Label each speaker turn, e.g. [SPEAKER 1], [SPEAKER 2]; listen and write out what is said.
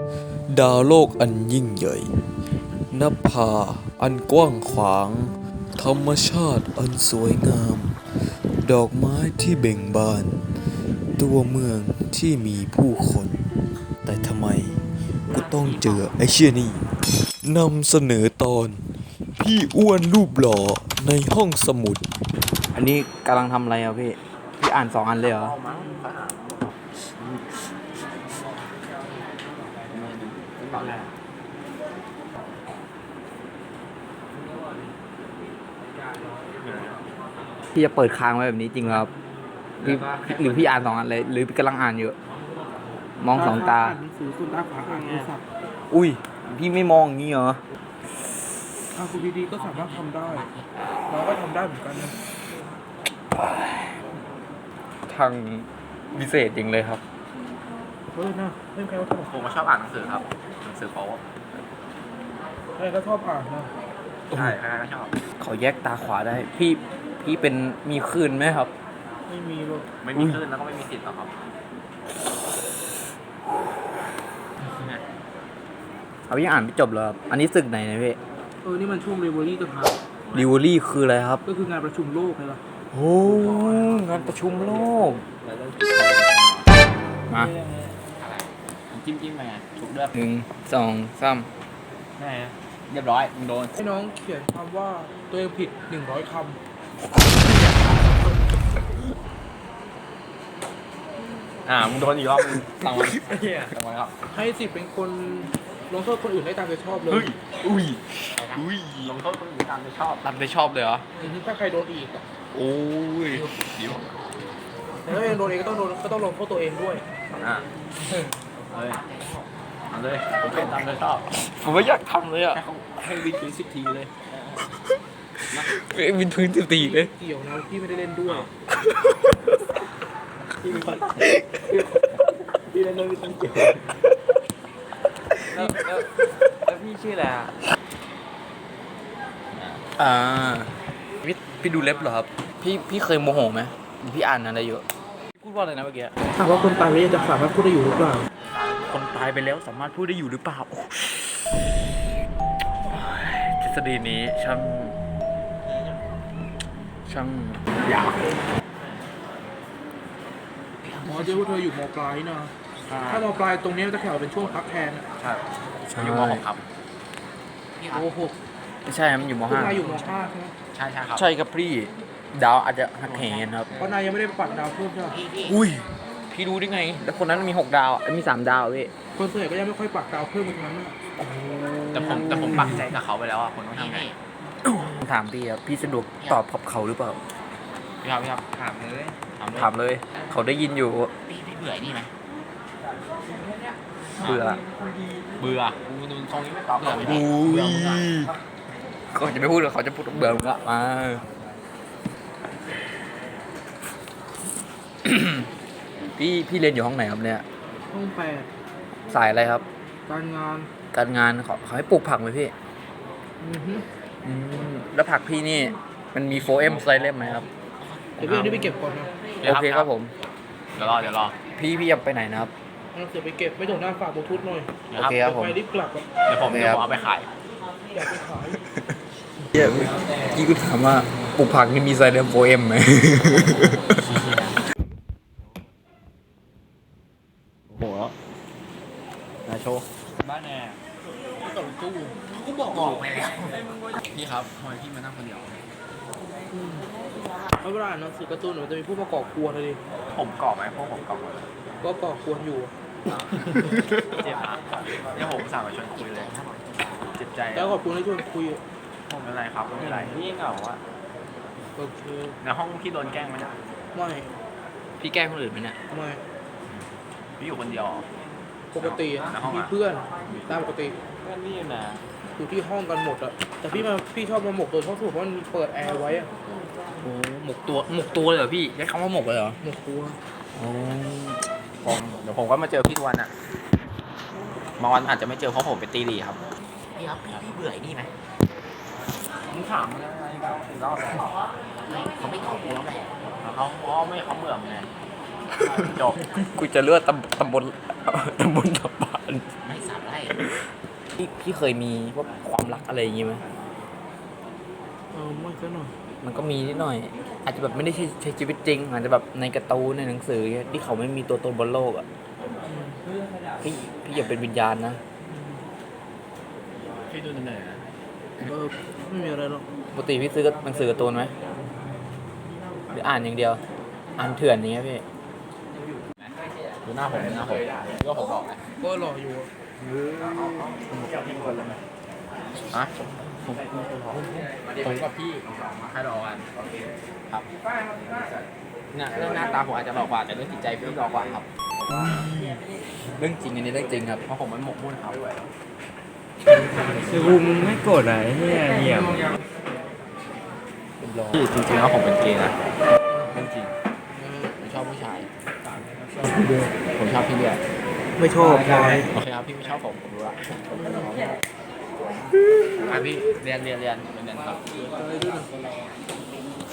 [SPEAKER 1] ดาวโลกอันยิ่งใหญ่นภาอันกว้างขวาง ธรรมชาติอันสวยงาม ดอกไม้ที่เบ่งบาน ตัวเมืองที่มีผู้คน แต่ทำไมกูต้องเจอไอ้เชี่ยนี่นำเสนอตอน พี่อ้วนรูปหล่อในห้องสมุด
[SPEAKER 2] อันนี้กำลังทำอะไรอ่ะพี่ พี่อ่าน2 อันเลยเหรอ พี่จะเปิดค้างไว้แบบนี้จริงเหรอครับหรือพี่อ่าน2 อันเลย หรือพี่กำลังอ่านอยู่ มอง2 ตา
[SPEAKER 3] หนังสือคุณตาขวาอ่านโทรศัพท์
[SPEAKER 2] อุ้ย พี่ไม่มองอย่างนี้เหรอ
[SPEAKER 3] คุณดีๆก็สามารถทำได้เราก็ทำได้เหมือนกันนะ
[SPEAKER 2] ทางพิเศษจริงเลยครับ
[SPEAKER 3] นะไม่ใครว่าทำ
[SPEAKER 4] ผมก็ชอบอ่านหนังสือครับหนังสือโป๊
[SPEAKER 3] ใครก็ชอบอ่านนะ
[SPEAKER 4] ใช่ใครๆก็ชอบ
[SPEAKER 2] เขาแยกตาขวาได้ พี่เป็นมีคลื่นไหมครับ
[SPEAKER 3] ไม่มีหรอก
[SPEAKER 4] ไม่มีคลื่นแล้วก็ไม่มีสิทธิ์หรอกครับ
[SPEAKER 2] เอาพี่อ่านไม่จบเหรอครับ อันนี้ศึกไหนนะพี่
[SPEAKER 3] นี่มันช่วงเรเวอรี่ต่างหาก
[SPEAKER 2] ดิวอรี่คืออะไรครับ
[SPEAKER 3] ก็คืองานประชุมโลกไงล่ะ
[SPEAKER 2] โอ้งานประชุมโลก มา
[SPEAKER 4] จิ้มไปไงถูกเลือก
[SPEAKER 2] 1 2 3
[SPEAKER 4] แน่เรียบร้อยมึงโดน
[SPEAKER 3] ให้น้องเขียนคำว่าตัวเองผิด100 คำ
[SPEAKER 4] มึงโดนอีกรอบมึงตังมันตังมันครับ
[SPEAKER 3] ให้สิทธิ์เป็นคนลงโทษคนอื่นได้ตามใจชอบเลย
[SPEAKER 4] อุ้ยลงโทษคนอื่นตามใจชอบ
[SPEAKER 2] รับได้ชอบเลยเหรอ
[SPEAKER 3] ถ้าใครโดนอีก
[SPEAKER 2] โอ้ยเดี๋ยว
[SPEAKER 3] แต่ถ้าเองโดนเองก็ต้องลงโทษตัวเองด้วย
[SPEAKER 4] เอาเลยผมเป็นตามใจชอบ
[SPEAKER 2] ผมไม่อยากทำเลยอ่ะ
[SPEAKER 4] ให้วินถึง10 ทีเลย
[SPEAKER 2] วินพื้นตีเลย
[SPEAKER 3] เกี่ยวนะพี่ไม่ได้เล่นด้วย
[SPEAKER 4] พี่เล่นด้วยพี่ต้องเก็บ
[SPEAKER 2] แล้วพี่ชื่ออะไรอ่ะพี่ดูเล็บเหรอครับ พี่เคยโมโหไหมพี่อ่านอะไรอยู่พี่พูดว่าอะไรนะเมื่อกี้
[SPEAKER 3] ถามว่าคนตายแล้วจะสามารถพูดได้อยู่หรือเปล่า
[SPEAKER 2] คนตายไปแล้วสามารถพูดได้อยู่หรือเปล่าทฤษฎีนี้ช่างยาว
[SPEAKER 3] หมอเจ๊ว่าเธออยู่มปลายนะ ถ้ามปลายตรงนี้จะแข่งเป็นช่วงพักแทน
[SPEAKER 4] ใช่อยู่ม .6 ครับ
[SPEAKER 3] โอ้โห
[SPEAKER 2] ไม่ใช่มันอยู่ม
[SPEAKER 3] พวก
[SPEAKER 2] .5
[SPEAKER 3] นายอยู่ม .5 ใช่ไหม
[SPEAKER 4] ใช่ครับ
[SPEAKER 2] ใช่ครับพี่ดาวอาจจะหักเหครับ
[SPEAKER 3] เพราะนายยังไม่ได้ปัดดาวเพิ่มใช่ไหม
[SPEAKER 2] อุ้ยพี่รู้ได้ไงแล้วคนนั้นมี6 ดาวมี3 ดาวพี่
[SPEAKER 3] คนส่วนใหญ่ก็ยังไม่ค่อยปัดดาวเพิ่มเหมือนกันนะ
[SPEAKER 4] แต่ผมปักใจกับเขาไปแล้วอ่ะคุณต้องทำไง
[SPEAKER 2] ถามพี่ครับพี่สะดวกตอบกับเขาหรือเปล่า
[SPEAKER 4] พี่ครับถามเลย
[SPEAKER 2] ถามเลย เขาได้ยินอยู่
[SPEAKER 4] พี่เบื่อนี่ไหม
[SPEAKER 2] เบื่อ
[SPEAKER 4] เบื่อกูดูตรงนี้ไม่ตอบเบื่อไม่ได้
[SPEAKER 2] อุ้ยเขาจะไม่พูดหรอกเขาจะพูดเบื่อมึงละมา พี่เรียนอยู่ห้องไหนครับเนี่ย
[SPEAKER 3] ห้องแปด
[SPEAKER 2] สายอะไรครับ
[SPEAKER 3] การงาน
[SPEAKER 2] การงานเขาให้ปลูกผักไหมพี่
[SPEAKER 3] อือฮึ
[SPEAKER 2] แล้วผักพี่นี่มันมี 4M ไซเล่มไหมครับ
[SPEAKER 3] เดี๋ยวพี่เอานี่ไปเก็บก่อนนะ
[SPEAKER 2] โอเคครับผม
[SPEAKER 4] เดี๋ยวรอ
[SPEAKER 2] พี่จะไปไหนนะครับ
[SPEAKER 3] เอาเสือไปเก็บไม่ถึงหน้าฝากบลูทูธหน่อย
[SPEAKER 4] เดี๋ยว
[SPEAKER 2] โอเคครับผม
[SPEAKER 3] ไปรีบกลับอะ
[SPEAKER 4] ผมเอาไปขาย
[SPEAKER 3] อยากไปขาย
[SPEAKER 2] เมื่อกี้กูถามว่าปลูกผักนี่มีไซเล่ม 4M ไหม
[SPEAKER 4] โหนายโชว์บ้านแน่
[SPEAKER 3] กับตู้
[SPEAKER 4] กูบอกไปแล้วพี่ครับทำไมพี่มานั่งคนเดียว
[SPEAKER 3] เอาเวลาอ่านหนังสือการ์ตูนมันจะมีผู้มาก่อกวนเลยดิ
[SPEAKER 4] ผมกรอบไหมพวกผมกรอบหมด
[SPEAKER 3] ก็ก่อกวนอยู่
[SPEAKER 4] เจ็บนะเนี่ยผมสั่งมาชวนคุยเลยเจ็บใจ
[SPEAKER 3] แล้วขอบคุณที่ชวนคุย
[SPEAKER 4] ผมเป็นไรครับไม่เป็นไรพี่เหงาอะ
[SPEAKER 3] โอเค
[SPEAKER 4] ในห้องพี่โดนแกล้งไหมเนี่ย
[SPEAKER 3] ไม่
[SPEAKER 2] พี่แกล้งคนอื่นไหมเนี่ย
[SPEAKER 3] ไม่
[SPEAKER 4] พี่อยู่คนเดียว
[SPEAKER 3] ปกติอะ
[SPEAKER 4] ในห้องอะ
[SPEAKER 3] มีเพื่อนตามปกติ
[SPEAKER 4] ก็นี่นะ
[SPEAKER 3] อยู่ที่ห้องกันหมดอะแต่พี่ชอบมาหมกตัวเพราะสูตรเพราะมันเปิดแอร์ไว้อะ
[SPEAKER 2] โอ้หมกตัวเลยเหรอพี่ใช้คำว่าหมกเลยเหรอ
[SPEAKER 3] หมกตัว
[SPEAKER 4] เดี๋ยวผมก็มาเจอพี่ทุกวันอะบางวันอาจจะไม่เจอเพราะผมไปตีหลีครับพี่ครับพี่เบื่อไอ้นี่ไหมมึงถามมันอะไรกันรอบแล้วเขาไม่ตอบกูแล้วไงเขาไม่เขาเบื่อมึงไงจบ
[SPEAKER 2] กูจะเลือกตำบลตำบาน
[SPEAKER 4] ไม่สาม
[SPEAKER 2] พี่เคยมีพวกความรักอะไรอย่างงี้ไหม
[SPEAKER 3] ไม่ก็หน่อย
[SPEAKER 2] มันก็มีนิดหน่อย อาจจะแบบไม่ได้ใช้ชีวิตจริง อาจจะแบบในการ์ตูนในหนังสือที่เขาไม่มีตัวตนบนโลกอ่ะพี่อย่าเป็นวิญญาณนะ
[SPEAKER 4] พี่ดูเหนื่อยนะ
[SPEAKER 3] ไม่มีอะไรหรอก
[SPEAKER 2] ปกติพี่ซื้อหนังสือการ์ตูนไหมหรืออ่านอย่างเดียว อ่านเถื่อนอย่างเงี้ยพี่
[SPEAKER 4] ดูหน้าผมพี่ก็ผมบอกนะ
[SPEAKER 3] ก็รออยู่อะ
[SPEAKER 4] อ่ะผมกับพี่ให้รอกันครับเนี่ยเรื่องหน้าตาผมอาจจะหลอกกว่าแต่เรื่องจิตใจพี่หลอกกว่าครับ
[SPEAKER 2] เรื่องจริงอันนี้เรื่องจริงครับ
[SPEAKER 4] เพราะผมมันหมกมุ่นครับ
[SPEAKER 5] คือกูมึงไม่โกรธอะไรเฮียเงียบ
[SPEAKER 4] พี่จริงๆแล้วผมเป็นเกย์นะเรื่องจริงผมชอบผู้ชาย ผมชอบพี่เลี้ย
[SPEAKER 5] ไม่ชอบพลอย
[SPEAKER 4] โอเคครับพี่ไม่ชอบผมรู้ละพี่เรียนครับ